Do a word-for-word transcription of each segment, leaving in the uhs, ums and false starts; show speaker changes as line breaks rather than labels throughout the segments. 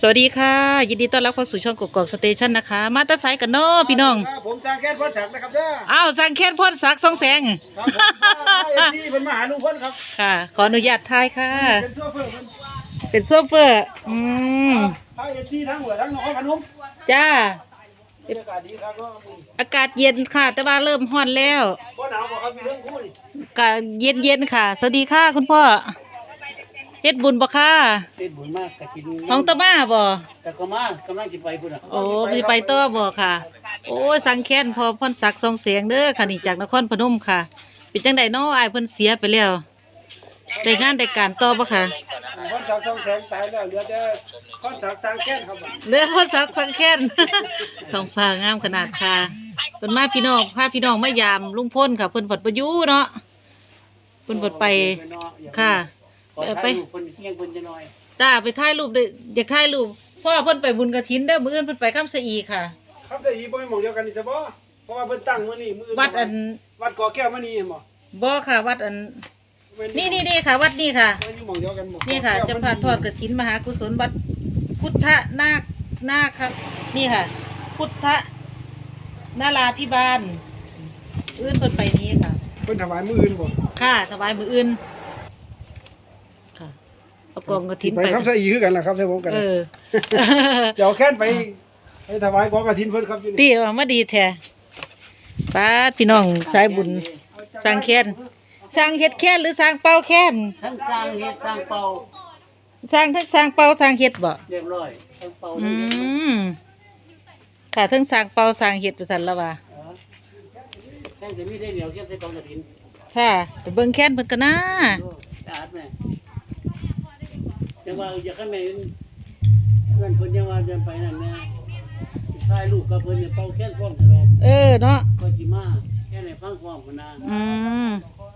สวัสดีค่ะยินดีต้อนรับเข้าสู่ช่องกกอกสเตชันนะคะมาตาไซกันเนาะพี่น้อง
ผมสร้างแค่พ้นศักดิ์นะครับเด้อ
อ้าวสังเขตพ่นสักสองแสง
ครับผมที่เป็นมหาลุงพ้นครับ
ค่ะขออนุญาตทายค่ะ
เป็นโซเฟอร์
เป็นโซเฟอร์อืม
ทายเอฟซีทั้งหัวทั้งนครพนม
จ้า
อากาศดีครับ
อากาศเย็นค่ะแต่ว่าเริ่มร้อนแล้ว
บ่หนาวบ่ครับมีเรื่องพูด
อากาศเย็นเย็นค่ะสวัสดีค่ะคุณพ่อเฮ็ดบุญบ่ค่ะ
เฮ็ดบุญมากกะกิน
ของตะมาบ่
แต่ก็มากำลังสิไปพุ่นน่ะ
โอ้สิไปต่อบ่ค่ะโอ้สังแค้นพอพ่นสักสองแสงเด้อค่ะนี่จากนครพนมค่ะเป็นจังได๋น้ออ้ายเพิ่นเสียไปแล้วได้งานได้การต่อบ่ค่ะ
พ้นศักดิ์สองแสงตายแล้วเหลือแต่พ้นศักดิ์สร้างแค้นครับ
เหลือพ่นสักสังแค้นท้องฟ้างามขนาดค่ะเพิ่นมาพี่น้องพาพี่น้องมายามลุงพลค่ะเพิ่นปัดบ่อยู่เนาะเพิ่นปัดไปค่ะไปจ้าไปถ่ายรูปเด้ออยากถ่ายรูปพ่อเพิ่นไปบุญกฐินเด้อมื้ออื่นเพิ่นไปคำสะอีค่ะ
คำสะอีบ่แม่นหม่องเดียวกันนี่จ้ะบ่เพราะว่าเพิ่นตั้งมื้อนี้มื้อ
วัดอัน
วัดกอแก้วมื้อนี้เห็นบ่
บ่ค่ะวัดอันนี่ๆๆค่ะวัดนี่ค่ะ
อยู่หม่องเดียวกันบ่
นี่ค่ะจะพาทอดกฐินมหากุศลวัดพุทธนาคนาคครับนี่ค่ะพุทธนาราธิบาลอื่นเพิ่นไปนี้ค่ะ
เพิ่นถวายมื้ออื่นบ่
ค่ะถวายมื้ออื่นค่ะเอากองกฐิน
ไปคำสะอีคือกันล่ะครับใช่ผมกัน
เออ
เดี๋ยวแค่นไปไปถวายกองกฐินเพิ่นครับ
ตีออกมาดีแท้ป้าพี่น้องสายบุญสร้างแค้นสร้างเฮ็ดแค้นหรือสร้างเป่าแค้น
ทั้งสร้างเฮ็ดสร้างเป่า
สร้างทั้งสร้างเป่าสร้างเฮ็ดบ่
เรียบร้อยทั้งเป่า
อืมค่ะทั้งสร้างเป่าสร้างเฮ็ดว่าซั่นละว่า
แค่จะมีได้เดียวแค่ใส่กองกฐิน
ค่ะไปเบิ่งแค้นเพิ่นกันนะ
สะอาดแม่จังว่าอยากให้แม่เพิ่นเพิ่นยังว่าจะไปนั่นแม่ถ่ายรูปกับเพิ่นเนี่ยเป่าแค้นพร้อมตลอด
เออเนาะ
ก็สิมาแค่ไหนฟังพร้อมกันนะ
อืม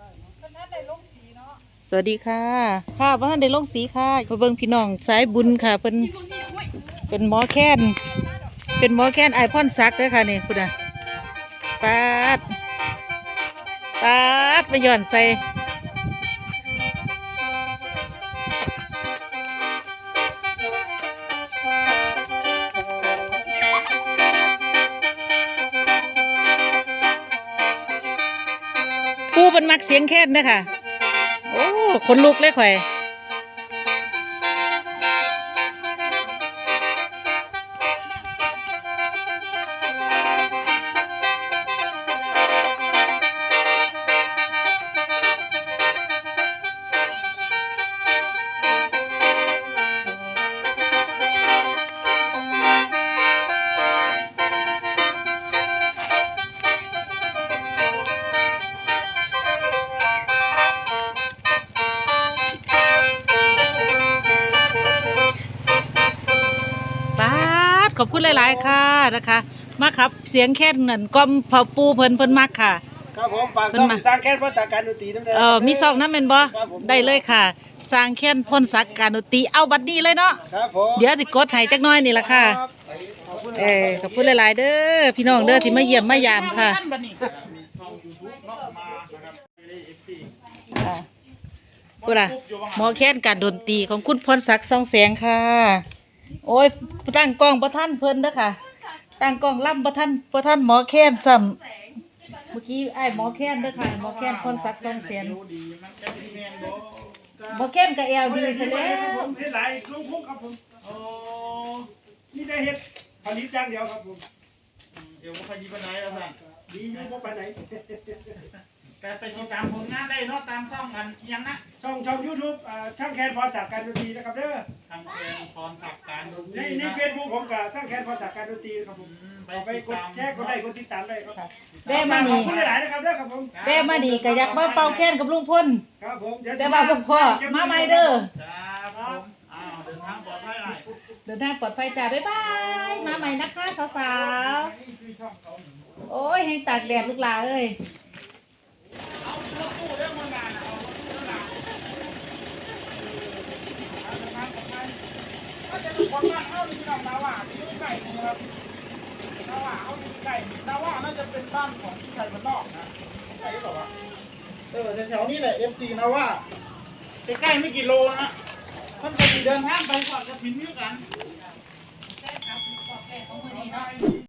สวัสดีค่ะค่ะบ่ทันได้ลงสีค่ะไปเบิ่งพี่น้องสายบุญค่ะเพิ่นเป็นหมอแค้นเป็นหมอแค้นอ้ายพรศักดิ์เด้อค่ะนี่พุ่นน่ะปาดปาดไปย้อนใส่ปูเป็นมักเสียงแค้นเด้อค่ะโอ้คนลุกเลยข่อยขอบคุณหลายๆค่ะนะคะมาครับเสียงแค้นนั่นก้มพอปูเพิ่นเพิ่นมักค่ะ
ครับผมฝากช่องสร้างแค้นพ่นศักดิ์การดนตรีนำเด้อ
เออมีซองนำแม่นบ่ได้เลยค่ะสร้างแค้นพ่นศักดิ์การดนตรีเอาบัดนี้เลยเนาะ
ครับผม
เดี๋ยวสิกดให้จักหน่อยนี่ล่ะค่ะเออขอบคุณหลายๆเด้อพี่น้องเด้อที่มาเยี่ยมมายามค่ะพุ่นน่ะหมอแค้นการดนตรีของคุณพรศักดิ์ส่องแสงค่ะโอ้ยตั้งกล้องประท่านเพิ่นเด้อค่ะตั้งกล้องล่ำประท่านประท่านหมอแค้นซ้ำเมื่อกี้ไอ้หมอแค้นเด้อค่ะหมอแค้นพรศักดิ์ส่องแสงหมอแค้นกับแอลดีซะแล้ว
เฮ็ดหลายลุงพุ่งครับผมโอ้นี่ได้เฮ็ดผลิตอย่างเดียวครับผม
เดี๋ยวพอดีปานไหนล่ะสั่น
ดีอยู่บ่ปานไหน
การไปติดตามผลงานได้เนาะตามช่องกันยังนะ
ช่องช่อง YouTube อ่าช่างแคนพรศักดิ์การดนตรีนะครับเด้อ
ทางแคนพรศักดิ์การดนต
รีในใน Facebook ผมก็ช่างแคนพรศักดิ์การดนตรีครับผมไปกดแชร์กดไลค์กดติดตามได้ครับ
แม่มานี่
ขอบคุณหลายๆนะครับเด้อครับผม
แม่มานี่ก็อยากมาเป่าแค้นกับลุงพล
ครับผม
แต่ว่าพวกพ่อมาใหม่เด้อ
ครับผมอ้าวเดินทางปลอดภัยหน่อย
เดินทางปลอดภัยจ้าบ๊ายบายมาใหม่นะคะสาวๆโอ้ยให้ตากแดดลูกหลานเอ้ย
เอารถตู้เรื่องงานเอารถตู้หลังถ้าจะดูคนบ้านเอาที่เราดาว่าที่ลูกไก่นะครับดาว่าเอาที่ไก่ดาว่าน่าจะเป็นบ้านของที่ไก่บ้านนอกนะใช่หรือเปล่าวะเออแถวๆนี้แหละ เอฟ ซี นะว่าใกล้ๆไม่กี่โลนะมันจะเดินทางไปก่อนจะพิมพ์กัน